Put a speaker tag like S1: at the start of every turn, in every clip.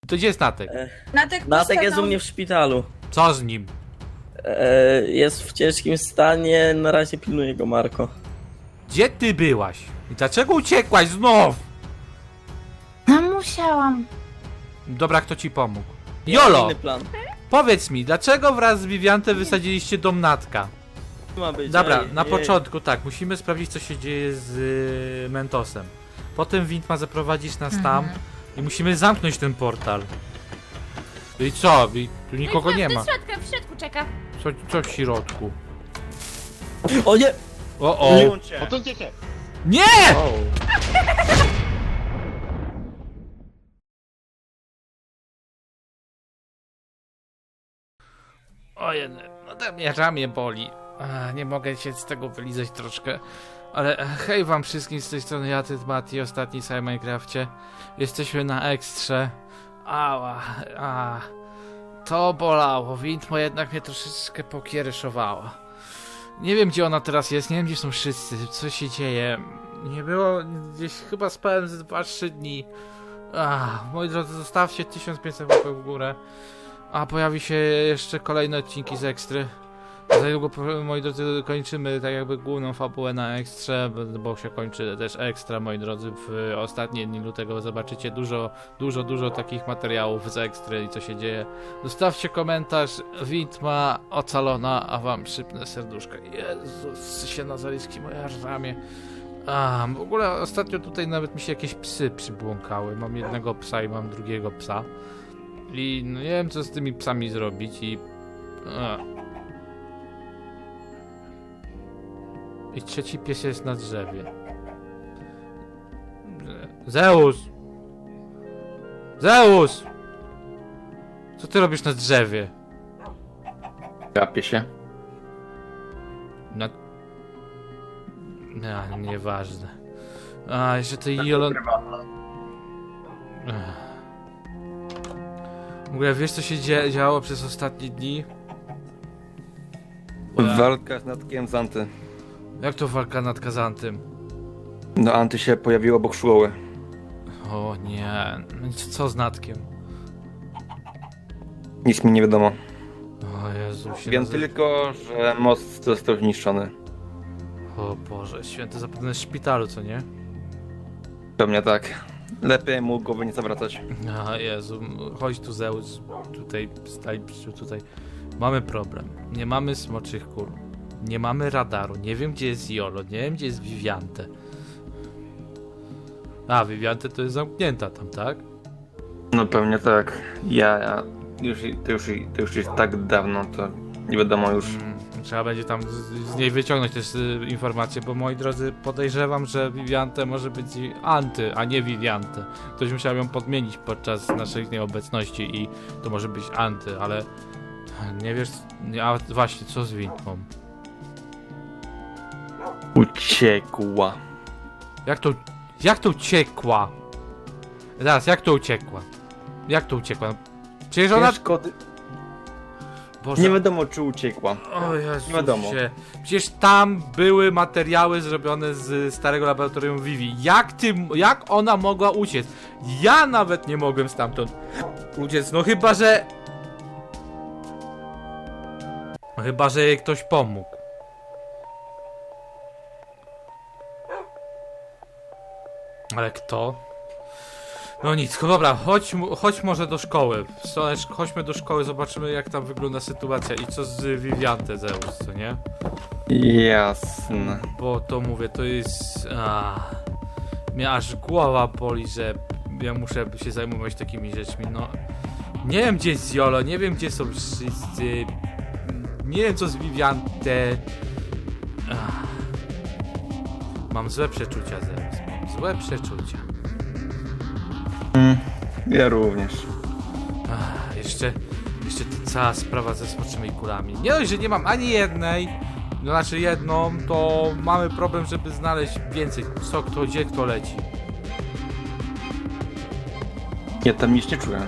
S1: To gdzie jest Natek?
S2: Natek jest u mnie w szpitalu.
S1: Co z nim?
S2: Jest w ciężkim stanie, na razie pilnuje go Marko.
S1: Gdzie ty byłaś? I dlaczego uciekłaś znów?
S3: No musiałam.
S1: Dobra, kto ci pomógł?
S2: Ja mam
S1: Jolo!
S2: inny plan.
S1: Powiedz mi, dlaczego wraz z Viviante wysadziliście dom Natka?
S2: Ma być,
S1: Dobra,
S2: ej,
S1: na
S2: ej.
S1: początku tak, musimy sprawdzić co się dzieje z Mentosem. Potem Wind ma zaprowadzić nas tam i musimy zamknąć ten portal. I co? I tu nikogo nie ma.
S3: W środku czeka.
S1: Co w środku?
S2: O nie!
S1: O o!
S4: Odsuńcie się!
S1: Nie!
S2: O.
S1: Ojej, no to mnie ramię boli. Nie mogę się z tego wylizać troszkę. Ale hej wam wszystkim z tej strony, ja, Mati, ostatni w Minecrafcie. Jesteśmy na ekstrze. Ała, to bolało. Windmo jednak mnie troszeczkę pokiereszowała. Nie wiem gdzie ona teraz jest, nie wiem gdzie są wszyscy, co się dzieje. Nie było, gdzieś chyba spałem z 2-3 dni. Moi drodzy, zostawcie 1500 łapek w górę. A pojawi się jeszcze kolejne odcinki z ekstry. Za niedługo, moi drodzy, kończymy tak jakby główną fabułę na ekstrze, bo się kończy też ekstra, moi drodzy. W ostatnie dni lutego zobaczycie dużo takich materiałów z ekstry i co się dzieje. Zostawcie komentarz, Windma ocalona, a wam szybne serduszka. Jezus, się Nazaryjski, moja ramię. W ogóle ostatnio tutaj nawet mi się jakieś psy przybłąkały. Mam jednego psa i mam drugiego psa. I no nie wiem co z tymi psami zrobić I trzeci pies jest na drzewie. Zeus! Zeus! Co ty robisz na drzewie?
S4: Gapię się.
S1: Na... Nieważne. Jeszcze tej Jolon... W ogóle wiesz co się działo przez ostatnie dni?
S5: Walka z Natkiem z Anty.
S1: Jak to walka nad Kazantem?
S5: No Anty się pojawiło obok szkoły.
S1: O nie, no i co z Natkiem?
S5: Nic mi nie wiadomo.
S1: O Jezu,
S5: Wiem tylko, że most został zniszczony.
S1: O Boże, święty, zapewne w szpitalu, co nie?
S5: Pewnie tak. Lepiej mu głowy nie zawracać.
S1: Jezu, chodź tu Zeus, tutaj, stań tutaj. Mamy problem, nie mamy smoczych kul, nie mamy radaru, nie wiem gdzie jest Jolo, nie wiem gdzie jest Viviante. Viviante to jest zamknięta tam, tak?
S5: No pewnie tak. To już jest tak dawno, to nie wiadomo już.
S1: Trzeba będzie tam z niej wyciągnąć też informacje, bo moi drodzy, podejrzewam, że Viviante może być Anty, a nie Viviante. Ktoś musiał ją podmienić podczas naszej nieobecności i to może być Anty, ale nie wiesz, a właśnie, co z Windmą?
S5: Uciekła.
S1: Jak to uciekła? Zaraz, jak to uciekła? Jak to uciekła? Przecież ona...
S5: Szkody.
S1: Boże.
S5: Nie wiadomo czy uciekła.
S1: O Jezusie.
S5: Nie wiadomo.
S1: Przecież tam były materiały zrobione z starego laboratorium Vivi. Jak ona mogła uciec? Ja nawet nie mogłem stamtąd uciec, no chyba, że... No chyba, że jej ktoś pomógł. Ale kto? No nic, dobra, chodź może do szkoły. Chodźmy do szkoły, zobaczymy jak tam wygląda sytuacja i co z Viviante Zeus, co nie?
S5: Jasne.
S1: Bo to mówię, to jest... Mnie aż głowa boli, że ja muszę się zajmować takimi rzeczmi, no... Nie wiem gdzie jest Jolo, nie wiem gdzie są wszyscy... Nie wiem co z Viviante... Mam złe przeczucia, Zeus, mam złe przeczucia.
S5: Ja również.
S1: Jeszcze ta cała sprawa ze smoczymi kulami. Nie dość, że nie mam ani jednej, no znaczy jedną, to mamy problem, żeby znaleźć więcej. Co, kto, gdzie, kto leci.
S5: Ja tam nic nie czuję.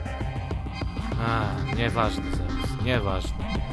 S1: Nieważne zaraz, nieważne.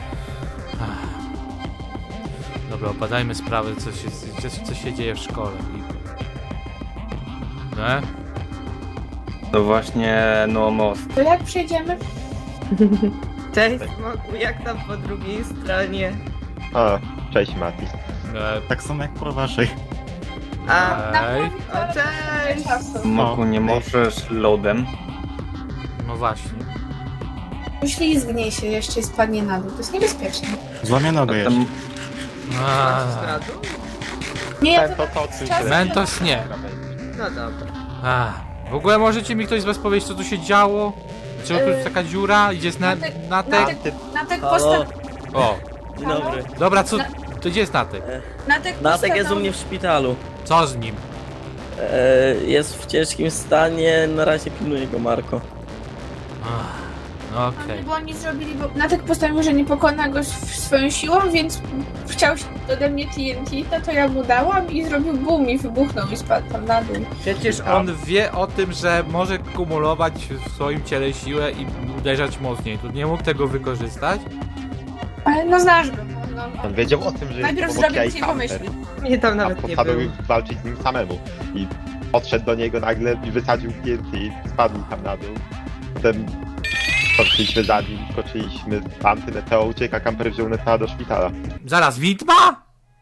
S1: Dobra, obadajmy sprawę, co się dzieje w szkole.
S5: To właśnie, no most.
S3: To jak przejdziemy?
S6: Cześć Smoku, jak tam po drugiej stronie?
S7: O, cześć Mati.
S8: Tak samo jak po waszej.
S6: A,
S1: Ej,
S6: o, cześć!
S5: Moku, nie możesz loadem.
S1: no właśnie.
S3: Uślizgnie się jeszcze i spadnie na dół. To jest niebezpieczne.
S8: Złamie nogę jeszcze.
S5: Tam
S1: A,
S3: Nie, ja
S7: Ten
S3: to
S7: to odsuń
S3: czas-
S7: się.
S1: Mentos nie.
S6: No dobra.
S1: A, w ogóle możecie mi ktoś z was powiedzieć, co tu się działo? Czemu tu jest taka dziura? Idzie Natek?
S3: Natek
S2: Halo,
S3: postaw...
S1: O,
S2: dzień dobry.
S1: dobra, co? To gdzie jest Natek?
S2: Natek jest u mnie w szpitalu.
S1: Co z nim?
S2: Jest w ciężkim stanie, na razie pilnuje go Marko.
S1: Ach, no okej.
S3: Bo oni zrobili, bo Natek postanowił, że nie pokona go swoją siłą, więc chciał się ode mnie TNT, no to ja mu dałam i zrobił boom i wybuchnął i spadł tam na dół.
S1: Przecież on wie o tym, że może kumulować w swoim ciele siłę i uderzać mocniej. Tu nie mógł tego wykorzystać?
S3: Ale no znasz go. No.
S7: On wiedział o tym, że
S3: Najpierw
S7: jest
S3: zrobił
S7: obok
S3: ci
S7: jaj
S3: pomyśli.
S7: Hunter,
S6: Mnie tam
S7: a
S6: nawet nie
S7: postanowił
S6: było.
S7: walczyć z nim samemu. I podszedł do niego nagle i wysadził TNT i spadł tam na dół. Potem poszliśmy za nim, skoczyliśmy w antyneteo, ucieka, kamper wziął Neteo do szpitala.
S1: Zaraz, widma?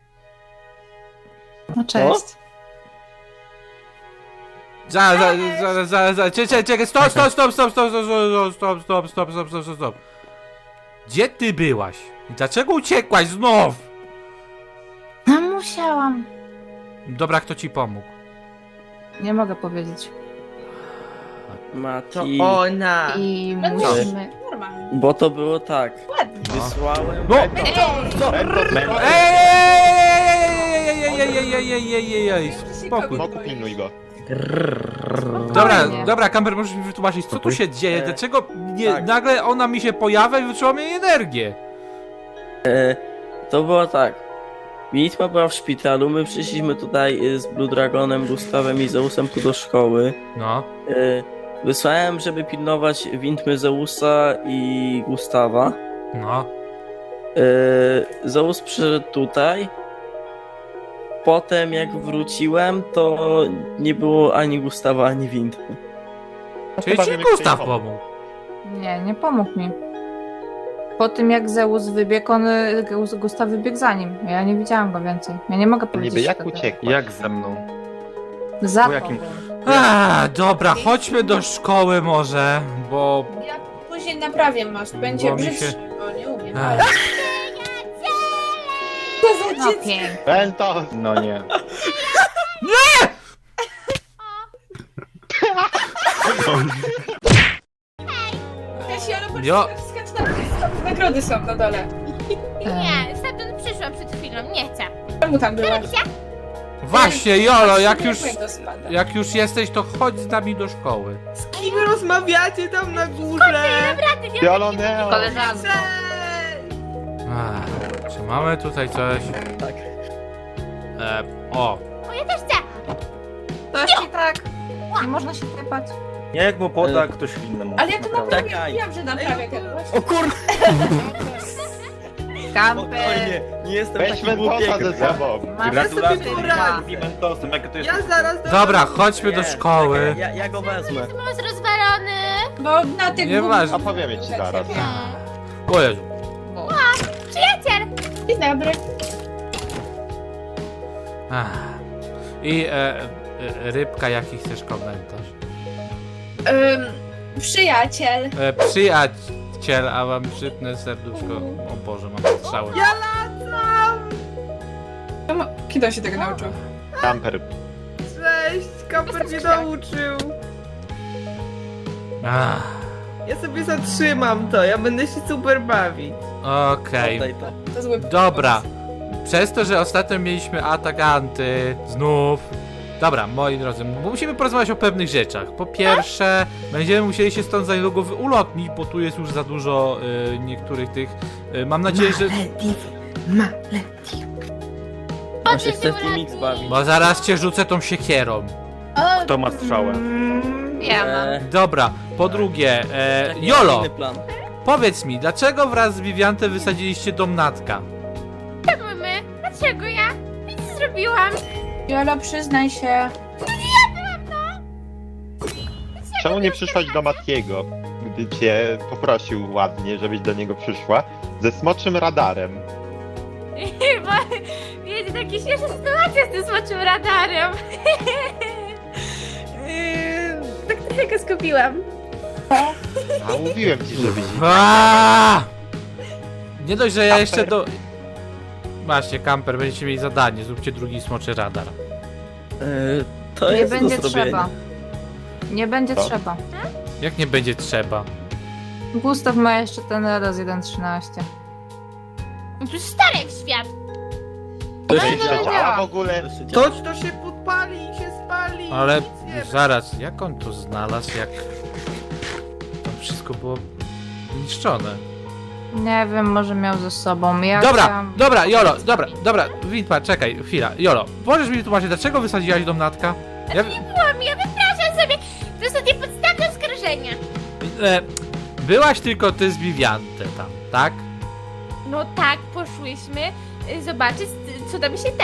S3: No
S2: cześć.
S1: Czekaj, stop. Gdzie ty byłaś? I dlaczego uciekłaś znów?
S3: No musiałam.
S1: Dobra, kto ci pomógł?
S9: Nie mogę powiedzieć.
S6: To
S2: Mati,
S6: ona!
S9: I
S3: No
S9: musimy.
S3: Normalnie.
S2: bo to było tak.
S3: Ładnie.
S2: Wysłałem...
S1: No! Ej, spokój.
S7: Moku, pilnuj go.
S1: Dobra, Kamper, możesz mi wytłumaczyć, co tu się dzieje? Dlaczego
S2: tak.
S1: nagle ona mi się pojawia i wyczuła mi energię?
S2: To było tak. Witma była w szpitalu, my przyszliśmy tutaj z Blue Dragonem, Gustawem i Zeusem tu do szkoły.
S1: No,
S2: Wysłałem, żeby pilnować Witmy Zeusa i Gustawa.
S1: no.
S2: Zeus przyszedł tutaj. Potem jak wróciłem, to nie było ani Gustawa, ani Witmy.
S1: Czyli
S7: Chyba
S1: ci
S7: wiemy,
S1: Gustaw
S7: kto
S1: pomógł.
S9: Nie pomógł mi. Po tym jak Zeus wybiegł, Gustaw wybiegł za nim. Ja nie widziałam go więcej. Ja nie mogę powiedzieć.
S7: Niby jak
S9: wtedy.
S7: uciekł?
S5: Jak ze mną?
S9: Za
S5: Po jakim-
S9: tobą.
S1: Dobra, chodźmy do szkoły może, bo...
S3: Ja później naprawię most. Będzie
S1: Bo mi się-
S3: brzydszy, bo nie umiem.
S1: Ech.
S3: Ale... Co za
S9: No
S3: dziecko?
S9: pięknie.
S7: Mentos!
S5: No nie.
S3: Ja się, ale patrz,
S1: Jo.
S3: skacz tam, nagrody są na dole.
S10: Nie, stamtąd przyszłam przed chwilą, nie chcę.
S3: Czemu tam byłaś?
S1: Właśnie, Jolo,
S3: to spada.
S1: jak już jesteś, to chodź z nami do szkoły.
S6: Z kim rozmawiacie tam na górze?
S7: Pioloneo!
S9: Koleżanko.
S6: Cześć!
S1: Czy mamy tutaj coś?
S2: Tak.
S1: O,
S10: O, ja też chcę.
S9: To ci tak. Nie można się typać.
S5: Nie, jak mu poda ktoś innemu.
S3: Ale ja to naprawdę
S2: Czekaj.
S3: wiem, że naprawię ten most.
S2: O kurde!
S9: Kamper.
S2: Spokojnie, nie jestem
S7: Weź
S2: taki głupi
S7: Mentosa
S2: jak
S7: ze sobą!
S9: Masz
S6: Gratulacje,
S9: sobie
S6: Mura.
S9: poradzę.
S5: Mentosem, jak to jest...
S6: Ja zaraz do...
S1: dobra, chodźmy do szkoły.
S2: Ja go wezmę.
S10: Most rozwalony.
S3: Bo na tych
S1: Nieważne.
S7: A powiemy ci zaraz.
S1: O Jezu.
S10: Przyjaciel.
S3: Dzień dobry.
S1: I rybka, jaki chcesz komentarz?
S3: Przyjaciel.
S1: Przyjaciel, a wam szybne serduszko. O Boże, mam strzały.
S6: Ja latam!
S3: Kiedy on się tego nauczył?
S7: Kamper.
S6: Cześć! Kamper mnie nauczył.
S1: Ach,
S6: Ja sobie zatrzymam to, ja będę się super bawić.
S1: Okej.
S2: Oddaj to.
S3: To zły
S1: Dobra. Przez to, że ostatnio mieliśmy atak anty, znów. Dobra, moi drodzy, musimy porozmawiać o pewnych rzeczach. Po pierwsze, będziemy musieli się stąd za niedługo ulotnić, bo tu jest już za dużo niektórych tych. Mam nadzieję, że.
S2: On się chce w Teamix bawić.
S1: Bo zaraz cię rzucę tą siekierą.
S5: Kto ma strzałę?
S9: Ja mam.
S1: Dobra, po drugie,
S2: Taki
S1: Jolo,
S2: inny plan.
S1: powiedz mi, dlaczego wraz z Viviantem wysadziliście dom Natka?
S10: Czemu my? Dlaczego ja? Nic nie zrobiłam.
S3: Jolo, przyznaj się.
S10: Dlaczego?
S7: czemu nie przyszłaś do Matiego, gdy cię poprosił ładnie, żebyś do niego przyszła, ze smoczym radarem?
S10: Chyba, wiecie, takie śmieszne sytuacje z tym smoczym radarem. Tak trochę go skupiłam.
S7: A mówiłem ci, żebyś...
S1: Aaaa! Nie dość, że ja jeszcze do... Macie, kamper, będziecie mieli zadanie, zróbcie drugi smoczy radar.
S2: To
S9: Nie
S2: jest
S9: będzie
S2: do zrobienia.
S9: trzeba. Nie będzie
S7: Co?
S9: trzeba.
S1: Jak nie będzie trzeba?
S9: Gustaw ma jeszcze ten raz 1.13.
S10: No przecież stary jak świat.
S2: To
S9: No,
S2: się
S9: no,
S2: działa.
S7: Działa
S9: nie.
S7: w ogóle?
S6: To się podpali i się spali.
S1: Ale
S6: nic nie ma.
S1: zaraz, jak on to znalazł, jak... Tam wszystko było niszczone.
S9: Nie wiem, może miał ze sobą. Ja
S1: Dobra,
S9: chciałam...
S1: dobra, Jolo, dobra, Witma, czekaj, chwila, Jolo, możesz mi wytłumaczyć, dlaczego wysadziłaś dom Natka? Ja,
S10: Ja wypraszam sobie. To są niepodstawne oskarżenia.
S1: byłaś tylko ty z Viviante tam, tak?
S10: No tak, poszłyśmy zobaczyć, co tam się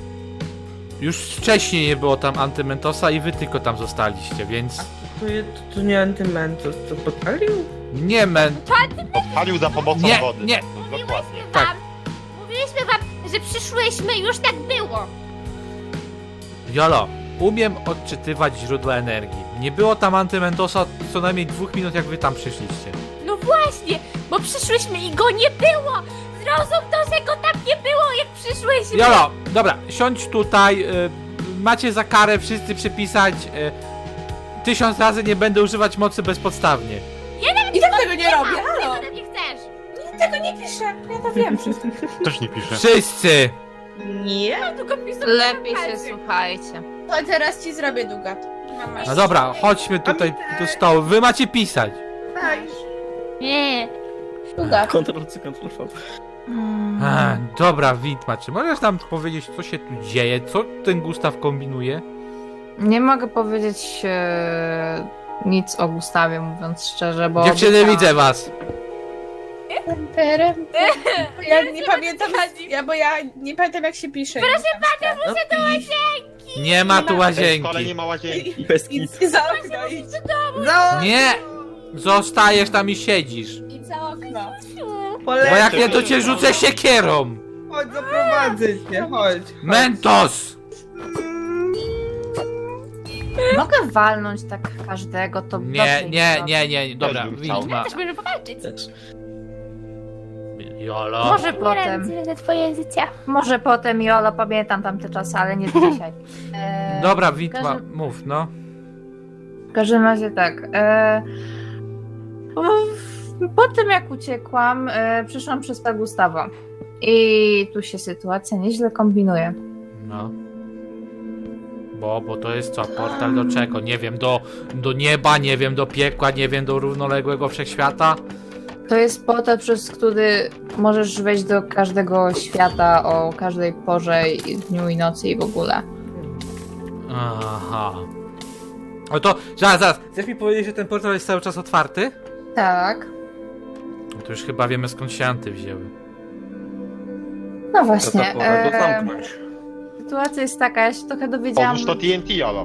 S1: Już wcześniej nie było tam Antymentosa i wy tylko tam zostaliście, więc...
S6: To nie Antymentos, to podpalił?
S1: Nie,
S7: Odpalił za pomocą
S1: Nie,
S7: wody.
S1: nie.
S7: Dokładnie.
S10: Mówiłyśmy
S1: Tak.
S10: wam, mówiłyśmy wam, że przyszłyśmy i już tak było.
S1: Jolo, umiem odczytywać źródła energii. Nie było tam Antymentosa co najmniej 2 minut, jak wy tam przyszliście.
S10: No właśnie, bo przyszłyśmy i go nie było. Zrozum to, że go tam nie było, jak przyszłyśmy.
S1: Jolo, dobra, siądź tutaj, macie za karę wszyscy przepisać 1000 razy nie będę używać mocy bezpodstawnie.
S3: I tak tego nie robię, halo!
S10: Ty nie chcesz.
S3: Tego nie piszę, ja to wiem wszystko.
S8: Też nie pisze.
S1: Wszyscy!
S6: Nie.
S10: Tylko pisał
S9: Lepiej się
S10: palce.
S9: słuchajcie.
S3: To teraz ci zrobię długa. Mama.
S1: No dobra, chodźmy tutaj do stołu, wy macie pisać.
S6: Tak.
S10: Nie.
S3: Długa.
S2: Ctrl-C, Ctrl-V.
S1: Dobra, Witma, czy możesz nam powiedzieć, co się tu dzieje? Co ten Gustaw kombinuje?
S9: Nie mogę powiedzieć nic o Gustawie, mówiąc szczerze, bo...
S1: Dziewczyny,
S9: obiecałam-
S1: widzę was.
S3: Ja nie pamiętam, bo ja nie pamiętam jak się pisze.
S1: Nie ma tu
S7: W tej szkole
S1: łazienki.
S7: nie ma łazienki.
S2: Bez
S3: Idź
S2: kit.
S3: za okno, idź.
S1: Nie! Zostajesz tam i siedzisz.
S3: Idź za okno.
S1: Bo jak nie, to cię rzucę siekierą.
S6: Chodź, zaprowadzę cię, chodź.
S1: Mentos!
S9: Mogę walnąć tak każdego, to
S1: Nie,
S9: dobrze
S1: nie,
S9: im
S1: nie, nie, dobra,
S7: Też bym chciał.
S1: Witma.
S10: Też możemy powalczyć.
S1: Jolo.
S9: Może
S10: Umieram
S9: potem,
S10: za twoje życie.
S9: może potem, Jolo, pamiętam tamte czasy, ale nie dzisiaj.
S1: Dobra,
S9: w
S1: Witma,
S9: każdym-
S1: mów, no.
S9: W każdym razie tak. Po tym jak uciekłam, przyszłam przez Gustawa. I tu się sytuacja nieźle kombinuje.
S1: No. Bo to jest co? Portal do czego? Nie wiem, do nieba, nie wiem, do piekła, nie wiem, do równoległego wszechświata?
S9: To jest portal, przez który możesz wejść do każdego świata o każdej porze, dniu i nocy i w ogóle.
S1: Aha. No to, zaraz. Chcesz mi powiedzieć, że ten portal jest cały czas otwarty?
S9: Tak.
S1: No to już chyba wiemy, skąd się anty wzięły.
S9: No właśnie.
S2: To pora go zamknąć.
S9: Sytuacja jest taka, ja się trochę dowiedziałam.
S7: Odłóż to TNT, Jolo.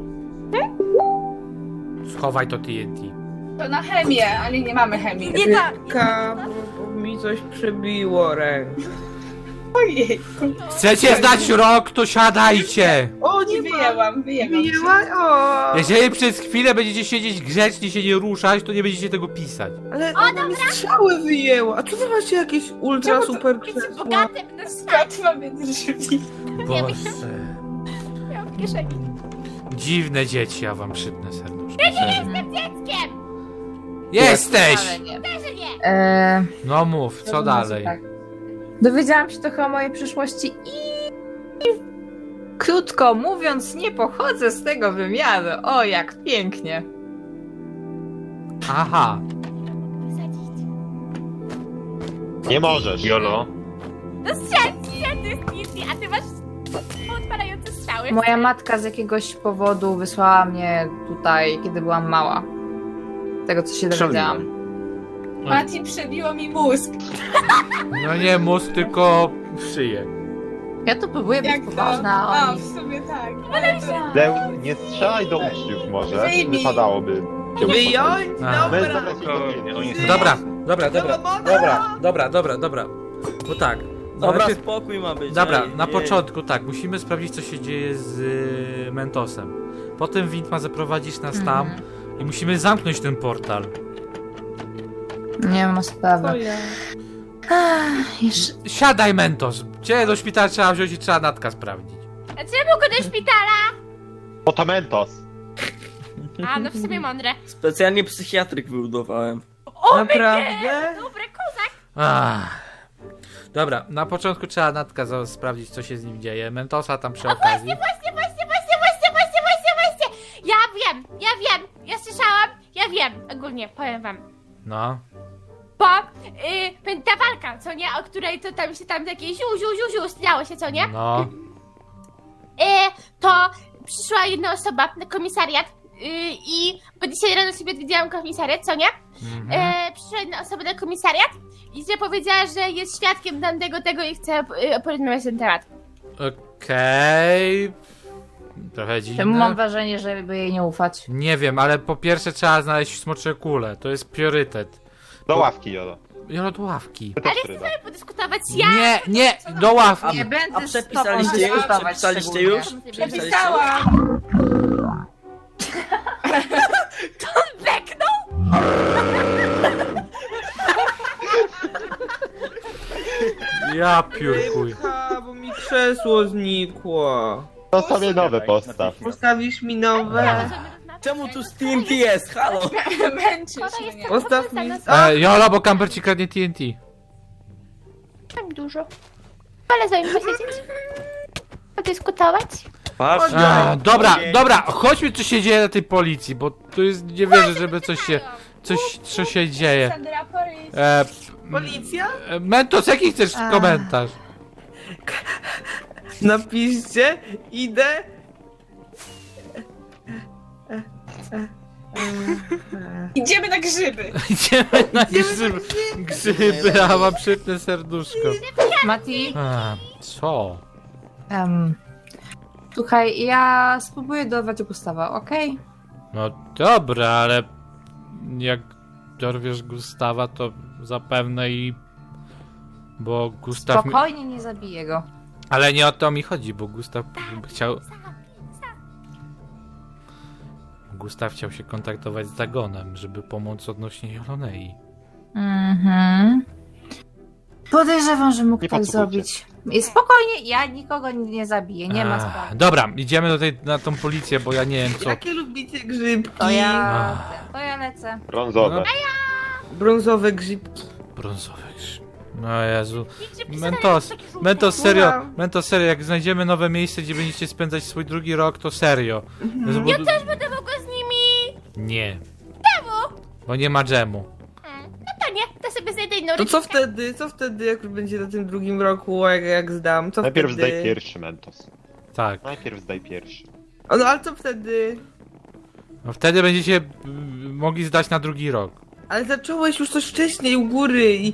S1: Schowaj to TNT.
S3: To na chemię, ale nie mamy chemii.
S10: Nie da.
S6: Bo mi coś przebiło rękę.
S3: Ojej.
S1: Chcecie znać rok, to siadajcie!
S6: O,
S3: Nie
S6: nie ma.
S3: wyjęłam.
S6: Wyjęła? O.
S1: Jeżeli przez chwilę będziecie siedzieć grzecznie, się nie ruszać, to nie będziecie tego pisać.
S6: Ale ona mi strzały wyjęła. A co wy macie jakieś ultra super
S10: Jesteś
S6: krzesła?
S10: bogatym, no
S3: Skąd mamy drzwi?
S1: Boże.
S10: miałam w kieszeni.
S1: Dziwne dzieci, ja wam przypnę serduszko.
S10: Dzieckiem!
S1: Jesteś!
S9: Ale nie.
S10: Że nie.
S1: No mów, co dalej?
S9: Tak. Dowiedziałam się trochę o mojej przyszłości i krótko mówiąc, nie pochodzę z tego wymiaru. O, jak pięknie.
S1: Aha.
S10: Wysadzić.
S7: Nie możesz.
S5: Jolo.
S10: No strzel, to jest nic, a ty masz odpalające strzały.
S9: Moja matka z jakiegoś powodu wysłała mnie tutaj, kiedy byłam mała. Tego, co się dowiedziałam.
S3: Mati przebiło mi mózg.
S1: No nie mózg, tylko szyję.
S9: Ja tu próbuję być
S3: Jak to?
S9: poważna, a
S3: A,
S9: oni...
S3: w sumie tak.
S7: Deł, nie strzelaj do uczniów może.
S3: Wyjmij.
S7: Wypadałoby.
S6: Wyjąć?
S1: A.
S7: Bez
S6: Dobra.
S7: zabrać
S1: Dobra. Bo tak.
S2: Dobra,
S1: najpierw-
S2: spokój ma być.
S1: Dobra,
S2: ej,
S1: na
S2: ej.
S1: początku tak, musimy sprawdzić co się dzieje z Mentosem. Potem Wind ma zaprowadzić nas tam i musimy zamknąć ten portal.
S9: Nie ma
S6: Co
S9: sprawy.
S6: ja?
S9: Jeszcze...
S1: Siadaj Mentos! Cię do szpitala trzeba wziąć i trzeba Natka sprawdzić.
S10: A czemu go do szpitala?
S7: Fotomentos.
S10: A, no w sumie mądre.
S2: Specjalnie psychiatryk wybudowałem.
S6: Naprawdę?
S10: Dobry kozak.
S1: Ach. Dobra, na początku trzeba Natka sprawdzić co się z nim dzieje. Mentosa tam przy okazji.
S10: Właśnie. Ja słyszałam, ja wiem. Ogólnie, powiem wam.
S1: No.
S10: Bo ta walka, co nie? O której to tam się tam takie ziu, stało się, co nie?
S1: No.
S10: To przyszła jedna osoba na komisariat i bo dzisiaj rano sobie odwiedziłam komisariat, co nie? Przyszła jedna osoba na komisariat i że powiedziała, że jest świadkiem tamtego tego i chce porozmawiać na ten temat.
S1: Okej. Trochę
S9: Czemu mam
S1: dziwne.
S9: wrażenie, żeby jej nie ufać?
S1: Nie wiem, ale po pierwsze trzeba znaleźć smocze kule. To jest priorytet.
S7: Do ławki, Jolo.
S1: Jolo do ławki.
S7: Ty też ryba.
S10: Podyskutować ja.
S1: Nie, do ławki.
S9: Nie będę
S2: A
S9: z tobą
S2: przepisaliście już?
S9: dyskutować
S2: Przepisaliście
S9: szczególnie.
S2: już? Przepisaliście?
S3: Napisałam.
S10: Beknął?
S1: Ja piórkuj.
S6: Rybka, bo mi krzesło znikło.
S7: To sobie nowe postaw.
S6: Postawisz mi nowe?
S2: Czemu tu z TNT jest? Halo?
S3: Męczysz mnie.
S6: Postaw mi...
S1: Jolo, bo Camper ci kradnie TNT.
S10: Mam dużo. Ale sobie posiedzieć. Podyskutować.
S2: Patrz.
S1: Dobra, chodźmy co się dzieje na tej policji, bo tu jest, nie wierzę, żeby co się dzieje.
S3: Sandra Porys.
S6: Policja?
S1: Mentos, jaki chcesz komentarz?
S6: Napiszcie, idę.
S3: Idziemy na grzyby.
S1: Idziemy na grzyby, a mam przypne serduszko.
S9: Mati,
S1: Co?
S9: słuchaj, ja spróbuję dorwać Gustawa, okej?
S1: No dobra, ale jak dorwiesz Gustawa, to zapewne bo Gustaw...
S9: Spokojnie, nie zabiję go.
S1: Ale nie o to mi chodzi, bo Gustaw chciał... Gustaw chciał się kontaktować z Dagonem, żeby pomóc odnośnie Jolonei.
S9: Podejrzewam, że mógł
S7: Nie
S9: tak
S7: podsłuchujcie.
S9: zrobić. I spokojnie, ja nikogo nie zabiję, nie ma sprawy.
S1: Dobra, idziemy na tą policję, bo ja nie wiem co...
S6: Jakie lubicie grzybki?
S9: To ja lecę.
S7: Brązowe.
S6: Brązowe grzybki.
S1: Brązowy krzyż. No Jezu. Mentos, serio, jak znajdziemy nowe miejsce, gdzie będziecie spędzać swój drugi rok, to serio.
S10: Ja też będę mogła z nimi.
S1: Nie. Czemu? Bo nie ma dżemu.
S10: No to nie, to sobie znajdę inną
S6: To co
S10: rodzinkę.
S6: wtedy, jak już będzie na tym drugim roku, jak zdam? Co
S7: Najpierw
S6: wtedy?
S7: zdaj pierwszy, Mentos.
S1: Tak.
S7: Najpierw zdaj pierwszy.
S6: O, no ale co wtedy?
S1: No wtedy będziecie mogli zdać na drugi rok.
S6: Ale zacząłeś już coś wcześniej u góry i...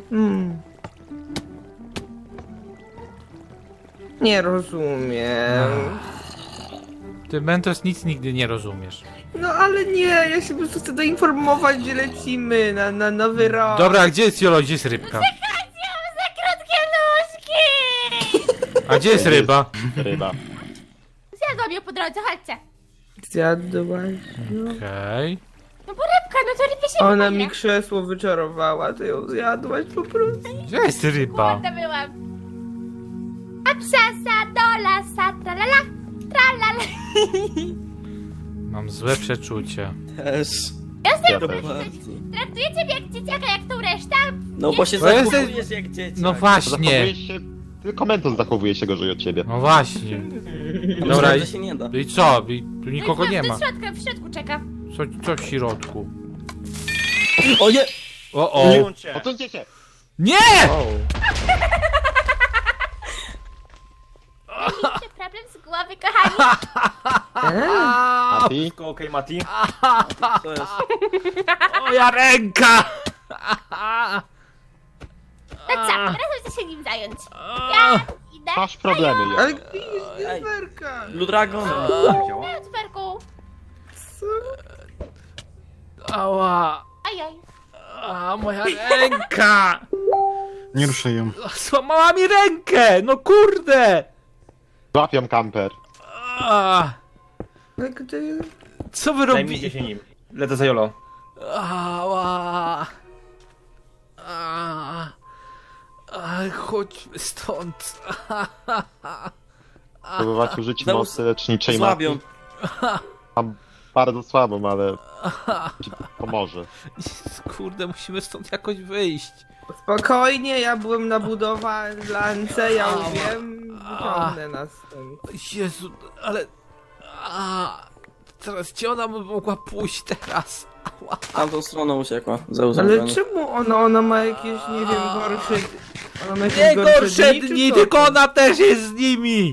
S6: Nie rozumiem.
S1: Ty, Mentos, nic nigdy nie rozumiesz.
S6: No ale nie, ja się po prostu chcę doinformować, gdzie lecimy na nowy rok.
S1: Dobra, a gdzie jest Jolo, gdzie jest rybka?
S10: Za krótkie nóżki.
S1: A gdzie jest ryba?
S7: Ryba.
S10: Zjadłam ją po drodze, chodźcie.
S6: Zjadłaś.
S1: Okej.
S10: No bo rybka, no to rybie się
S6: Ona
S10: wydaje.
S6: mi krzesło wyczarowała, ty ją zjadłaś po prostu.
S1: Gdzie jest ryba?
S10: Głodna byłam. A psasa do lasa, tralala, tralala.
S1: Mam złe przeczucie.
S2: Też.
S7: Ja też.
S10: Traktujecie mnie jak dzieciaka, jak tą resztę?
S2: No bo się
S1: Bo jesteś-
S2: zachowujesz jak dzieciak.
S1: No właśnie.
S7: Zachowujesz się... Tylko Mentos zachowuje się gorzej od ciebie.
S1: No właśnie.
S2: Dobra,
S1: Dobra,
S2: to się nie da.
S1: i co? I tu nikogo nie ma.
S10: W środku czeka.
S1: Co w środku?
S2: O nie!
S1: O.
S7: Odsuńcie się!
S1: Nie!
S10: Macie problem z głowy, kochani?
S7: Mati?
S4: Okej, Mati.
S2: To jest...
S1: Moja ręka!
S10: No co, teraz muszę się nim zająć. Ja idę.
S7: Masz problemy, Jolo.
S6: Ale gdzie jest Jasperka?
S2: Blue Dragon.
S10: Na Cperku.
S6: Co?
S1: Ała!
S10: Ajaj.
S1: A, moja ręka!
S8: Nie ruszaj ją.
S1: Złamała mi rękę! No kurde!
S7: Złapią kamper.
S1: A,
S6: Ale gdy...
S1: co wy robicie?
S5: się nim. Lecę za Jolo.
S1: Ała! Chodźmy stąd.
S7: Próbować użyć
S2: Zeus,
S7: mocy leczniczej
S2: Złabią.
S7: mapy. Mam bardzo słabą, ale ci pomoże.
S1: Kurde, musimy stąd jakoś wyjść.
S6: Spokojnie, ja byłem na budowlance, ja umiem. Wyciągnę nas stąd.
S1: Jezu, ale... Teraz gdzie ona by mogła pójść teraz? Ała.
S2: Tamtą stroną uciekła. Zeus
S6: Ale
S2: zabrany.
S6: czemu ona ma jakieś, nie wiem, gorsze... Ona ma jakieś
S1: Nie gorsze
S6: czy
S1: dni,
S6: co
S1: tylko
S6: to?
S1: ona też jest z nimi!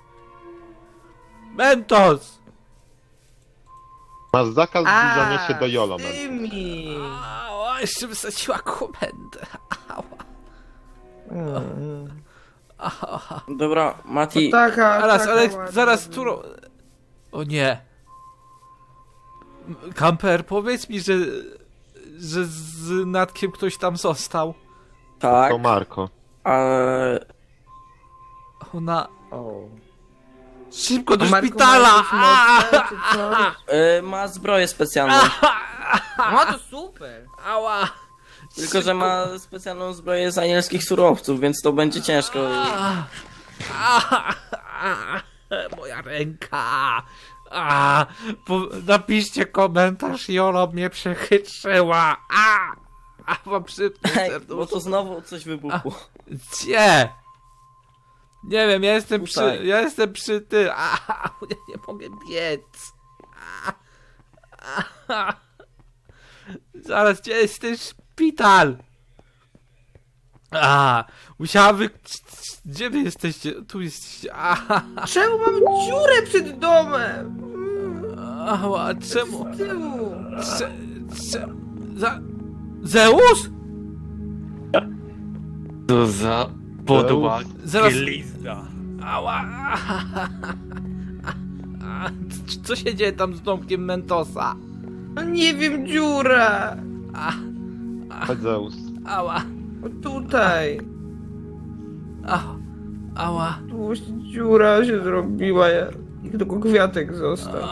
S1: Mentos!
S7: Masz zakaz
S6: A,
S7: zbliżania się do Jolo.
S6: z tymi.
S1: Ała, jeszcze wysadziła komendę. Ała. Ała.
S2: Dobra, Mati,
S6: Taka,
S1: Zaraz,
S6: taka
S1: ale
S6: ładna
S1: zaraz,
S6: była.
S1: którą... O nie. Kamper, powiedz mi, że z Natkiem ktoś tam został.
S2: tak,
S7: To Marko.
S2: ale...
S1: Ona...
S2: O.
S1: Szybko do
S6: A Marku
S1: szpitala!
S6: ma jakieś moce, czy coś?
S2: Ma zbroję specjalną.
S6: No to super!
S1: Ała!
S2: Tylko, że ma specjalną zbroję z anielskich surowców, więc to będzie ciężko.
S1: Moja ręka! Napiszcie komentarz, Jolo mnie przechytrzyła! Mam szybko
S2: Hej, bo
S1: serduszko.
S2: to znowu coś wybuchło.
S1: Gdzie? Nie wiem, ja jestem
S2: Tutaj.
S1: ja jestem przy ty. Ja nie mogę biec. Zaraz, gdzie jest ten szpital? Musiała Gdzie wy jesteście? Tu jesteście.
S6: Czemu mam dziurę przed domem?
S1: Ała, czemu?
S6: Z tyłu.
S1: Zeus?
S4: Co za podła
S1: Zaraz.
S4: glizda.
S1: Ała. Co się dzieje tam z domkiem Mentosa?
S6: No nie wiem, dziura.
S7: Chodź Zeus.
S1: Ała.
S6: O, tutaj.
S1: Ała.
S6: Tu dziura się zrobiła, i tylko kwiatek został.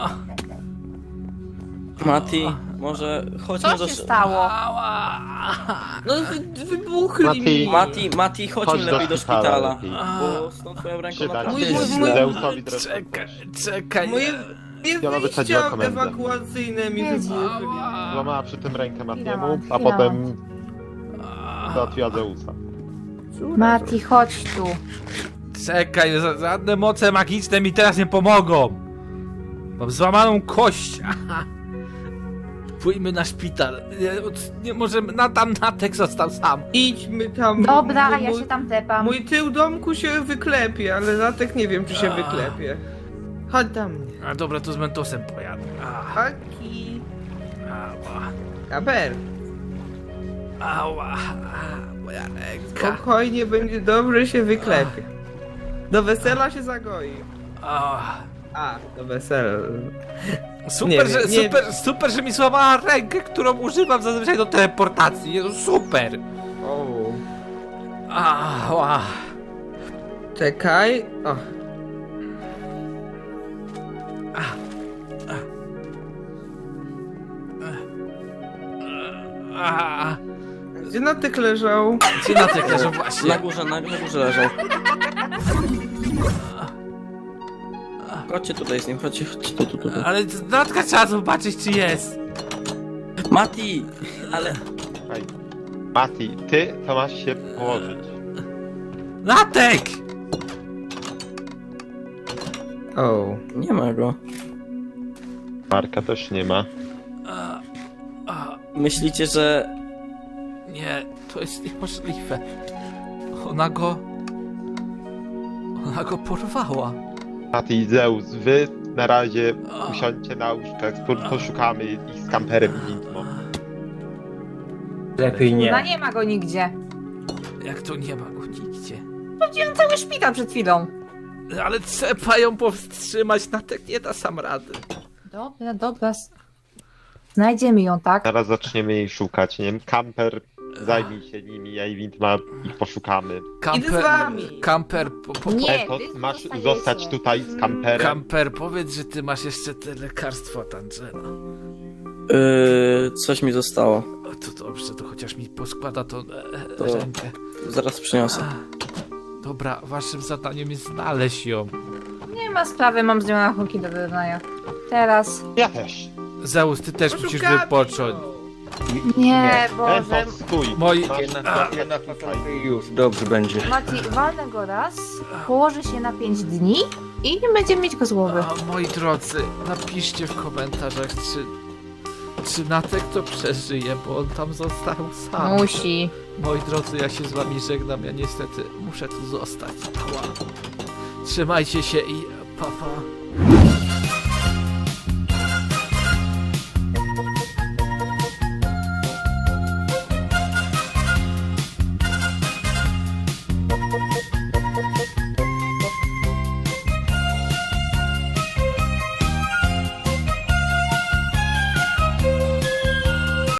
S2: Mati, może chodźmy
S9: Co
S2: do...
S9: się stało?
S1: Ała.
S6: No wybuchli
S7: Mati.
S6: mi.
S2: Mati, chodźmy
S7: Chodź
S2: lepiej do szpitala.
S7: lepiej.
S2: Bo z tą twoją ręką
S7: Przyda
S2: naprawdę
S7: się
S2: jest
S6: mój-
S2: źle.
S7: Zeusowi drewno.
S1: Czekaj.
S6: Moje
S7: Jolo wysadziła
S6: wyjścia
S7: komendę.
S6: ewakuacyjne mi wybuchli.
S7: Złamała przy tym rękę Matiemu,
S9: Chwila,
S7: a potem załatwiła Zeusa.
S9: Mati, chodź tu.
S1: Czekaj, żadne moce magiczne mi teraz nie pomogą. Mam złamaną kość. Pójdźmy na szpital. Nie może tam Natek został sam.
S6: Idźmy tam.
S9: Dobra, ja
S6: mój-
S9: się tam tepam.
S6: Mój tył domku się wyklepie, ale latek nie wiem, czy się wyklepie. Chodź do mnie.
S1: Dobra, to z Mentosem pojadę.
S6: Haki.
S1: Ała.
S6: Kaber.
S1: Ała. Moja ręka.
S6: Spokojnie, będzie dobrze, się wyklepie. Do wesela się zagoi.
S1: Ała.
S6: Do wesela.
S1: Super,
S6: Nie
S1: że,
S6: wiem, nie
S1: super, że mi złamała rękę, którą używam zazwyczaj do teleportacji. Jezu, super.
S6: O.
S1: Ała.
S6: Czekaj. O. Gdzie Natek leżał?
S1: Gdzie Natek leżał właśnie?
S2: Na górze leżał. Chodźcie tutaj z nim, chodźcie tu.
S1: Ale Natka trzeba zobaczyć, czy jest.
S2: Mati! Ale...
S7: Hej. Mati, ty to masz się położyć.
S1: Natek!
S6: O.
S2: Nie ma go.
S7: Marka też nie ma.
S2: Myślicie, że...
S1: Nie, to jest niemożliwe. Ona go porwała.
S7: Mati i Zeus, wy na razie usiądźcie na łóżkach, poszukamy ich z kamperem i Nitmą.
S5: Lepiej
S9: No nie ma go nigdzie.
S1: Jak to nie ma go nigdzie?
S9: Chodziłem cały szpital przed chwilą.
S1: Ale trzeba ją powstrzymać, Natek nie da sam rady.
S9: Dobra. Znajdziemy ją, tak?
S7: Zaraz zaczniemy jej szukać, nie wiem, kamper zajmij się nimi, a Wintma ich poszukamy.
S6: Idę z wami.
S1: Kamper,
S9: Nie,
S7: Etos,
S9: wy
S7: masz
S9: zostajecie.
S7: zostać tutaj z kamperem.
S1: Kamper, powiedz, że ty masz jeszcze te lekarstwo od Angela.
S2: Coś mi zostało.
S1: O, to dobrze, to chociaż mi poskłada to
S2: To-
S1: rękę.
S2: Zaraz przyniosę.
S1: Dobra, waszym zadaniem jest znaleźć ją.
S9: Nie ma sprawy, mam z nią rachunki do wyrównania. Teraz.
S7: Ja też.
S1: Zeus, ty też musisz
S6: Poszukamy
S1: wypocząć.
S6: ją.
S9: Nie, Boże.
S7: Etos, stój.
S1: Moi-
S7: Masz
S4: Jednak
S7: tutaj.
S4: już, dobrze będzie.
S9: Mati, walnę go raz, położy się na 5 dni i nie będziemy mieć go z głowy.
S1: A, moi drodzy, napiszcie w komentarzach, czy Natek to przeżyje, bo on tam został sam.
S9: Musi.
S1: Moi drodzy, ja się z wami żegnam, ja niestety muszę tu zostać. Ała. Trzymajcie się i pa pa.